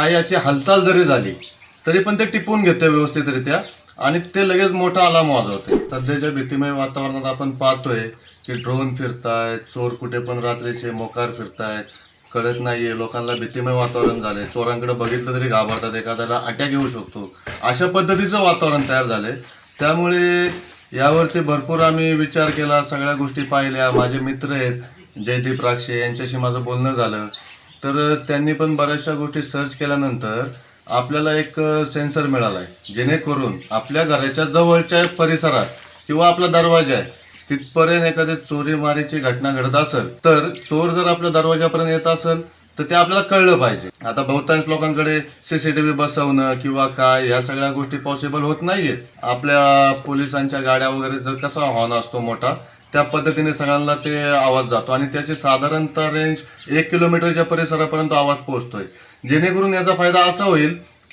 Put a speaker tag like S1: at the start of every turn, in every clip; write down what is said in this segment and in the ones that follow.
S1: काही अशी हालचाल जरी झाली तरी पण ते टिपून घेते व्यवस्थितरित्या आणि ते लगेच मोठा अलार्म वाजवते. सध्याच्या भीतिमय वातावरणात आपण पाहतोय की ड्रोन फिरतायत, चोर कुठे पण रात्रीचे मोकार फिरतायत, कळत नाहीये. लोकांना भीतिमय वातावरण झालंय, चोरांकडे बघितलं तरी घाबरतात, एखाद्याला अटॅक येऊ शकतो, अशा पद्धतीचं वातावरण तयार झालंय. त्यामुळे यावरती भरपूर आम्ही विचार केला, सगळ्या गोष्टी पाहिल्या. माझे मित्र आहेत जयदीप राक्षे, यांच्याशी माझं बोलणं झालं, तर त्यांनी पण बऱ्याचशा गोष्टी सर्च केल्यानंतर आपल्याला एक सेन्सर मिळाला आहे, जेणेकरून आपल्या घराच्या जवळच्या परिसरात किंवा आपला दरवाजा आहे तिथपर्यंत एखादी चोरीमारीची घटना घडत असेल तर चोर जर आपल्या दरवाजापर्यंत येत असेल तर ते आपल्याला कळलं पाहिजे. आता बहुतांश लोकांकडे CCTV बसवणं किंवा काय ह्या सगळ्या गोष्टी पॉसिबल होत नाहीयेत. आपल्या पोलिसांच्या गाड्या वगैरे जर कसा हॉर्न असतो मोठा, त्या पद्धतीने सगळ्यांना ते आवाज जातो आणि त्याची साधारणतः रेंज 1 किलोमीटरच्या परिसरापर्यंत आवाज पोहोचतोय. जेणेकरून याचा फायदा असा होईल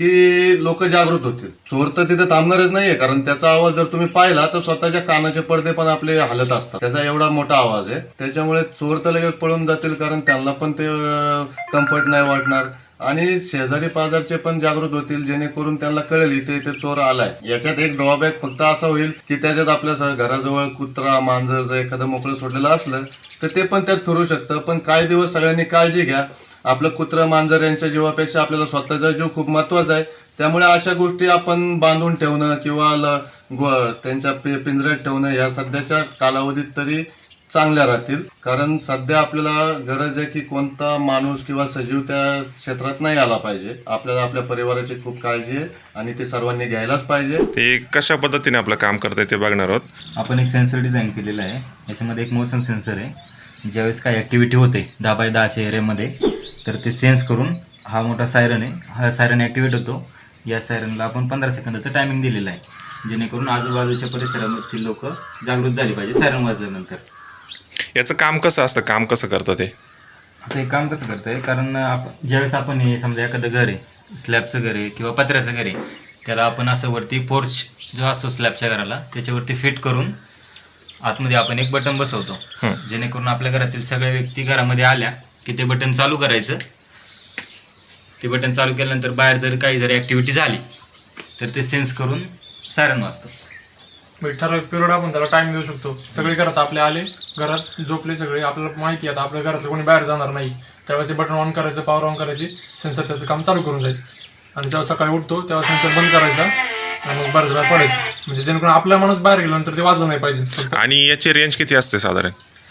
S1: की लोक जागृत होतील. चोर तर तिथे थांबणारच नाहीये, कारण त्याचा आवाज जर तुम्ही पाहिला तर स्वतःच्या कानाचे पडदे पण आपले हलत असतात, त्याचा एवढा मोठा आवाज आहे. त्याच्यामुळे चोर तर लगेच पळून जातील, कारण त्यांना पण ते कम्फर्ट नाही वाटणार आणि शेजारी पाजारचे पण जागृत होतील, जेणेकरून त्यांना कळेल इथे चोर आलाय. याच्यात एक ड्रॉबॅक फक्त असा होईल की त्याच्यात आपल्या घराजवळ कुत्रा मांजर जर एखादं मोकळं सोडलेलं असलं तर ते पण त्यात फिरू शकतं. पण काही दिवस सगळ्यांनी काळजी घ्या, आपलं कुत्रं मांजर यांच्या जीवापेक्षा आपल्याला स्वतःचा जीव खूप महत्वाचा आहे. त्यामुळे अशा गोष्टी आपण बांधून ठेवणं किंवा त्यांच्या पिंजऱ्यात ठेवणं या सध्याच्या कालावधीत तरी चांगल्या राहतील. कारण सध्या आपल्याला गरज आहे की कोणता माणूस किंवा सजीव त्या क्षेत्रात नाही आला पाहिजे. आपल्याला आपल्या परिवाराची खूप काळजी आहे आणि ते सर्वांनी घ्यायलाच पाहिजे.
S2: ते कशा पद्धतीने आपलं काम करतंय ते बघणार आहोत.
S3: आपण एक सेन्सर डिझाईन केलेलं आहे. याच्यामध्ये एक मोशन सेन्सर आहे. ज्यावेळेस काही ॲक्टिव्हिटी होते 10x10च्या एरियामध्ये तर ते सेन्स करून हा मोठा सायरन आहे, हा सायरन ॲक्टिवेट होतो. या सायरनला आपण 15 सेकंदाचं टायमिंग दिलेलं आहे, जेणेकरून आजूबाजूच्या परिसरामधील लोक जागृत झाली पाहिजे सायरन वाजल्यानंतर.
S2: याचं काम कसं असतं, काम कसं करतं ते?
S3: आता हे काम कसं करतं आहे, कारण ज्यावेळेस आपण हे समजा एखादं घर आहे, स्लॅबचं घर आहे किंवा पत्र्याचं घर आहे, त्याला आपण असं वरती पोर्च जो असतो स्लॅबच्या घराला त्याच्यावरती फिट करून आतमध्ये आपण एक बटन बसवतो, जेणेकरून आपल्या घरातील सगळ्या व्यक्ती घरामध्ये आल्या की ते बटन चालू करायचं. ते बटन चालू केल्यानंतर बाहेर जर काही जर ॲक्टिव्हिटी झाली तर ते सेन्स करून सायरन वाजतो.
S4: ठराविक पिरियड आपण त्याला टाइम देऊ शकतो. सगळे घरात आपले आले, घरात झोपले सगळे, आपल्याला माहिती आहे आता आपल्या घरातलं कोणी बाहेर जाणार नाही, त्यावेळेस बटन ऑन करायचं, पॉवर ऑन करायची, सेन्सर त्याचं काम चालू करून जाईल आणि जेव्हा सकाळी उठतो तेव्हा सेन्सर बंद करायचा आणि मग बाहेर पडायचं, म्हणजे जेणेकरून आपला माणूस बाहेर गेल्यानंतर ते वाजलं नाही पाहिजे.
S2: आणि याची रेंज किती असते साधारण?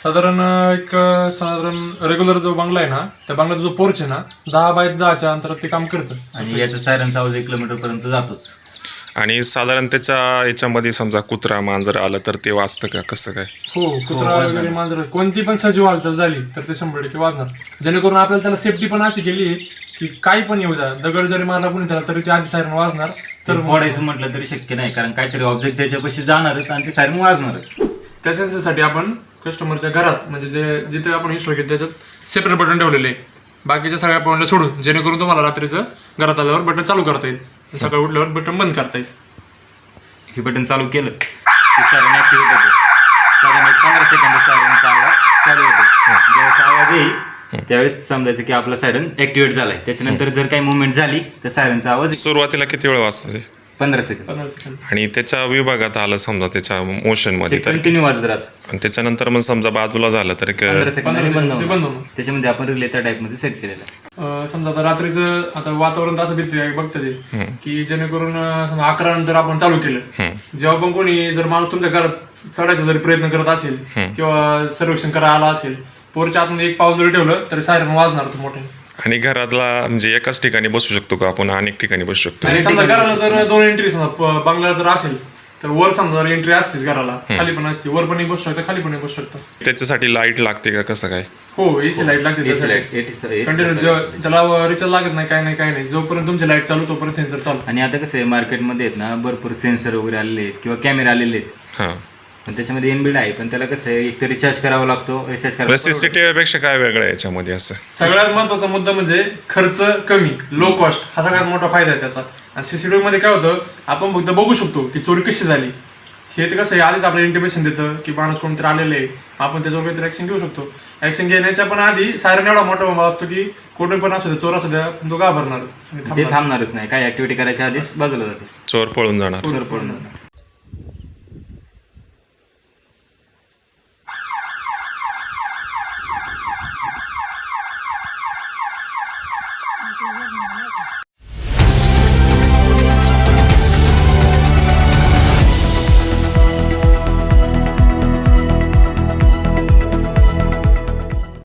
S4: साधारण रेग्युलर जो बंगला आहे ना, त्या बंगल्याचा जो पोर्च आहे ना, 10x10च्या अंतरात ते काम करतं
S3: आणि याचा सायरनचा आवाज 1 किलोमीटरपर्यंत जातोच.
S2: आणि साधारण त्याच्या याच्यामध्ये समजा कुत्रा मांजर आलं तर ते वाजतं का, कसं काय?
S4: हो, कुत्रा वगैरे मांजर कोणती पण सजीव हालचाल झाली तर ते 100% वाजणार. जेणेकरून आपल्याला त्याला सेफ्टी पण अशी केली आहे की काही पण येऊ द्या, दगड जरी मारला कोणी त्याला तरी ते आधी सायरन वाजणार. तर
S3: फोडायचं म्हटलं तरी शक्य नाही, कारण काहीतरी ऑब्जेक्ट त्याच्यापाशी जाणारच आणि ते सायरन वाजणारच.
S4: त्या सेन्सरसाठी आपण कस्टमरच्या घरात म्हणजे जिथे आपण इन्स्टॉल केलं त्याच्यात सेपरेट बटन ठेवलेले आहे, बाकीच्या सगळ्या पॉईंटला सोडून, जेणेकरून तुम्हाला रात्रीचं घरात आल्यावर बटन चालू करता येईल, सकाळी उठल्यावर बटन बंद करता येईल.
S3: हे बटन चालू केलं की सायरन ॲक्टिव्हेट होतं. साधारण 15 सेकंद सायरनचा आवाज चालू होतो. ज्यावेळेस आवाज येईल त्यावेळेस समजायचं की आपला सायरन ॲक्टिव्हेट झालाय. त्याच्यानंतर जर काही मुवमेंट झाली तर सायरनचा आवाज
S2: सुरुवातीला किती वेळ वाजतं ते?
S3: 15 सेकंद.
S2: आणि त्याच्या विभागात आलं समजा त्याच्या मोशन मध्ये तर
S3: कंटिन्यू वाजत राहतं.
S2: आणि त्याच्यानंतर मग समजा बाजूला झालं तर
S3: 15 सेकंदांनी बंद
S4: बंद
S3: होणार.
S4: होणार.
S3: त्याच्यामध्ये आपण रिले त्या टाईपमध्ये सेट केलेलं आहे.
S4: समजा आता रात्रीचं आता वातावरण असं भीती बघतं ते की जेणेकरून समजा 11 नंतर आपण चालू केलं, जेव्हा पण कोणी जर माणूस तुमच्या घरात चढायचा जरी प्रयत्न करत असेल किंवा सर्वेक्षण करायला आला असेल, पोरच्या आतमध्ये एक पाऊल जरी ठेवलं तरी सायरन वाजणार तो मोठे.
S2: आणि घरातला म्हणजे एकाच ठिकाणी बसू शकतो का आपण, अनेक ठिकाणी बसू शकतो?
S4: आणि समजा घराला जर 2 एंट्री समजा बंगल्याला जर असेल तर वर समजा जर एंट्री असतेच घराला, खाली पण असते, वर पण एक बसू शकतं, खाली पण एक बसू शकतं.
S2: त्याच्यासाठी लाईट लागते का, कसं काय?
S4: हो, एसी लाईट लागते कंटिन्यू. ज्याला रिचार्ज लागत नाही, काय नाही, जोपर्यंत तुमची लाईट चालू तोपर्यंत सेन्सर चालू.
S3: आणि आता कसं आहे मार्केटमध्ये आहेत ना भरपूर सेन्सर वगैरे आलेले आहेत किंवा कॅमेरा आलेले आहेत,
S2: हां,
S3: पण त्याच्यामध्ये इनबिल्ड आहे, पण त्याला कसं आहे एक तर रिचार्ज करावा लागतो. रिचार्ज करायला
S2: CCTV पेक्षा काय वेगळं आहे याच्यामध्ये असं?
S4: सगळ्यात महत्वाचा मुद्दा म्हणजे खर्च कमी, लो कॉस्ट, हा सगळ्यात मोठा फायदा आहे त्याचा. आणि CCTV मध्ये काय होतं, आपण फक्त बघू शकतो की चोरी कशी झाली, हे तर कसं आहे, आधीच आपल्याला इंटिमेशन देतं की माणूस कोणतरी आलेलं आहे, आपण त्याच्यावर काहीतरी ऍक्शन घेऊ शकतो. ऍक्शन घेण्याच्या पण आधी सायरन एवढा मोठा बोंबा असतो की कोणी पण असू दे, चोर असू द्या, तो घाबरणारच आणि
S3: ते
S4: थांबणार.
S3: थांबणारच नाही. काही ऍक्टिव्हिटी करायच्या आधीच बाजूला जाते,
S2: चोर पळून जाणार.
S3: चोर पळून जाणार.